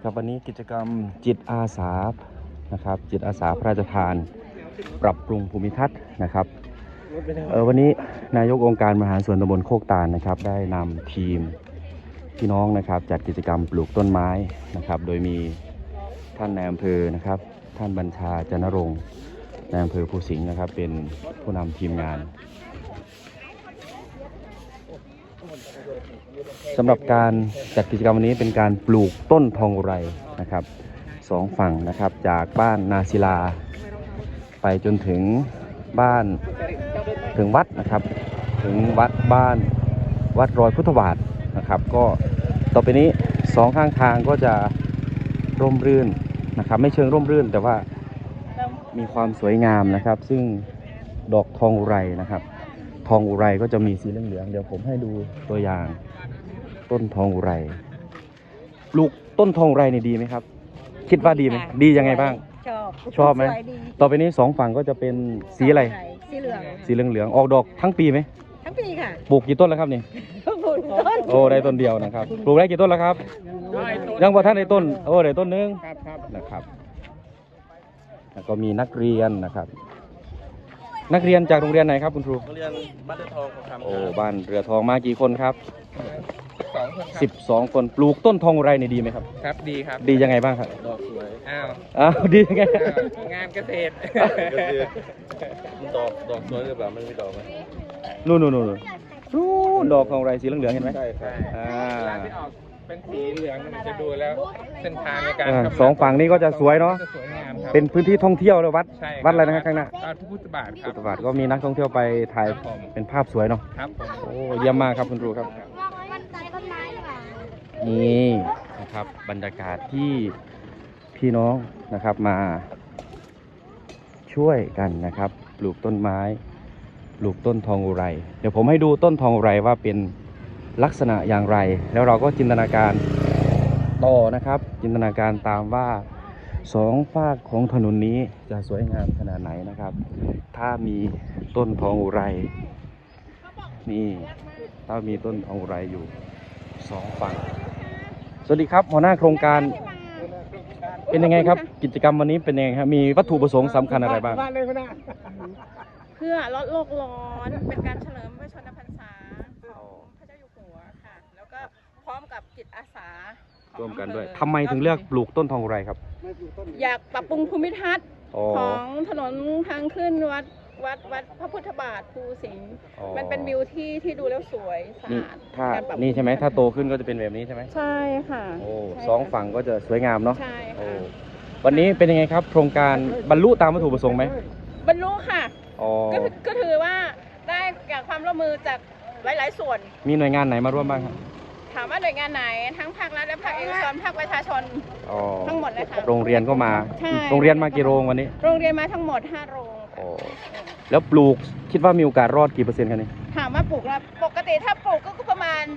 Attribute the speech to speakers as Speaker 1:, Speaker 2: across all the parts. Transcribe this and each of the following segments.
Speaker 1: ครับวันนี้กิจกรรมจิตอาสานะครับจิตอาสาพระราชทานปรับปรุงภูมิทัศน์นะครับวันนี้นายกองค์การบริหารส่วนตำบลโคกตาลนะครับได้นำทีมพี่น้องนะครับจัดกิจกรรมปลูกต้นไม้นะครับโดยมีท่านนายอำเภอนะครับท่านบัญชาจันรงค์นายอำเภอภูสิงห์นะครับเป็นผู้นำทีมงานสำหรับการจัดกิจกรรมวันนี้เป็นการปลูกต้นทองอุไรนะครับสองฝั่งนะครับจากบ้านนาศิลาไปจนถึงบ้านถึงวัดนะครับถึงวัดรอยพุทธบาทนะครับก็ต่อไปนี้สองข้างทางก็จะร่มรื่นนะครับไม่เชิงร่มรื่นแต่ว่ามีความสวยงามนะครับซึ่งดอกทองอุไรนะครับทองอุไรก็จะมีสีเหลืองๆเดี๋ยวผมให้ดูตัวอย่างต้นทองอุไรปลูกต้นทองอุไรนี่ดีไหมครับคิดว่าดีไหมดียังไงบ้างชอบไหมต่อไปนี้สองฝั่งก็จะเป็นสีอะไร
Speaker 2: สีเหลือง
Speaker 1: สีเหลืองออกดอกทั้งปีไหม
Speaker 2: ทั้งปีค่ะ
Speaker 1: ปลูกกี่ต้นแล้วครับนี่
Speaker 2: ปลูกต้น
Speaker 1: โอ้ได้ต้นเดียวนะครับปลูกได้กี่ต้นแล้วครับยังว่าท่านในต้นโอ้ได้ต้นนึงนะครับแล้วก็มีนักเรียนนะครับนักเรียนจากโรงเรียนไหนครับคุณครู
Speaker 3: โรงเรียนบ้านเรือทองครับ
Speaker 1: โอ้บ้านเรือทองมากี่คนครับ12 คนปลูกต้นทองอุไรนี่ดีไหมครับ
Speaker 3: ครับดีครับ
Speaker 1: ดียังไงบ้างครับ
Speaker 3: ดอกสวย
Speaker 1: ดียังไง
Speaker 3: งานเกษตรดอกสวยหรือเปล่ามันมีดอกไหม
Speaker 1: นู่นดอกทองอุไรสีเหลืองๆเห็นไหม
Speaker 3: ใช่ครับเวลาที่ออกเป็นสีเหลืองมันจะดูแล้วเส้นทางในการ
Speaker 1: สองฝั่งนี้ก็จะสวยเนาะ
Speaker 3: สวยงามครับ
Speaker 1: เป็นพื้นที่ท่องเที่ยวเลยวัดอะไรนะครับข้างหน้า
Speaker 3: พุทธบาทครับ
Speaker 1: พุทธบาทก็มีนักท่องเที่ยวไปถ่ายเป็นภาพสวยเนาะ
Speaker 3: ครับผม
Speaker 1: โอ้เยี่ยมมากครับคุณครูครับนี่นะครับบรรยากาศที่พี่น้องนะครับมาช่วยกันนะครับปลูกต้นไม้ปลูกต้นทองอุไรเดี๋ยวผมให้ดูต้นทองอุไรว่าเป็นลักษณะอย่างไรแล้วเราก็จินตนาการต่อนะครับจินตนาการตามว่าสองฝากของถนนนี้จะสวยงามขนาดไหนนะครับถ้ามีต้นทองอุไรนี่ถ้ามีต้นทองอุไรอยู่สองฝั่งสวัสดีครับหัวหน้าโครงการเป็นยังไงครับกิจกรรมวันนี้เป็นยังไงครับมีวัตถุประสงค์สำคัญอะไรบ้าง
Speaker 2: เพื่อลดโลกร้อนเป็นการเฉลิมพระชนมพรรษาของพระเจ้าอยู่หัวค่ะแล้วก็พร้อมกับจิตอาสา
Speaker 1: ร่วมกันด้วยทำไมถึงเลือกปลูกต้นทองอุไรครับ
Speaker 2: อยากปรับปรุงภูมิทัศน์ของถนนทางขึ้นวัดพระพุทธบาทภูสิงห์มันเป็นวิวที่ดูแล้วสวยสะอาด
Speaker 1: นี่ใช่ไหมถ้าโตขึ้นก็จะเป็นแบบนี้ใช่ไหม
Speaker 2: ใช่ค่ะ
Speaker 1: โอ้สองฝั่งก็จะสวยงามเนาะ
Speaker 2: ใช่ค่ะ
Speaker 1: วันนี้เป็นยังไงครับโครงการบรรลุตามวัตถุประสงค์ไหม
Speaker 2: บรรลุค่ะก็ถือว่าได้จากความร่วมมือจากหลายๆส่วน
Speaker 1: มีหน่วยงานไหนมาร่วมบ้างครับ
Speaker 2: ถามว่าหน่วยงานไหนทั้งภาครัฐและภาคเอกชนภาคประชาชนทั้งหมดเลยค่ะ
Speaker 1: โรงเรียนก็มาโรงเรียนมากี่โรงวันนี้
Speaker 2: โรงเรียนมาทั้งหมด5 โรง
Speaker 1: แล้วปลูกคิดว่ามีโอกาสรอดกี่เปอร์เซ็นต์กันนี่
Speaker 2: ถามว่าปลูกแล้วปกติถ้าปลูกก็ประมาณ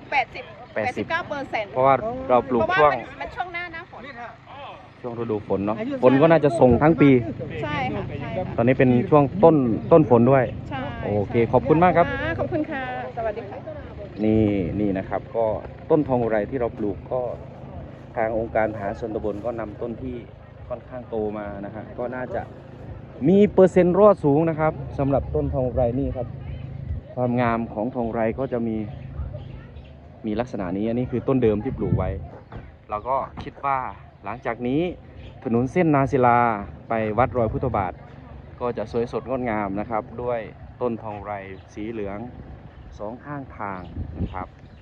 Speaker 2: 89%
Speaker 1: เพราะว่าเราปลูกช่วง
Speaker 2: มันช่วงหน้าฝน
Speaker 1: ช่วงฤดูฝนเนาะฝนก็น่าจะส่งทั้งปี
Speaker 2: ใช่ค่ะ
Speaker 1: ตอนนี้เป็นช่วงต้นฝนด้วย
Speaker 2: ใช่
Speaker 1: โอเคขอบคุณมากครับ
Speaker 2: ขอบคุณค่ะสวัสดีค่ะ
Speaker 1: นี่นะครับก็ต้นทองอุไรที่เราปลูกก็ทางองค์การมหาชนตำบลก็นำต้นที่ค่อนข้างโตมานะฮะก็น่าจะมีเปอร์เซ็นต์รอดสูงนะครับสำหรับต้นทองอุไรนี่ครับความงามของทองอุไรก็จะมีลักษณะนี้อันนี้คือต้นเดิมที่ปลูกไว้เราก็คิดว่าหลังจากนี้ถนนเส้นนาศิลาไปวัดรอยพุทธบาทก็จะสวยสดงดงามนะครับด้วยต้นทองอุไรสีเหลืองสองข้างทางนะครับ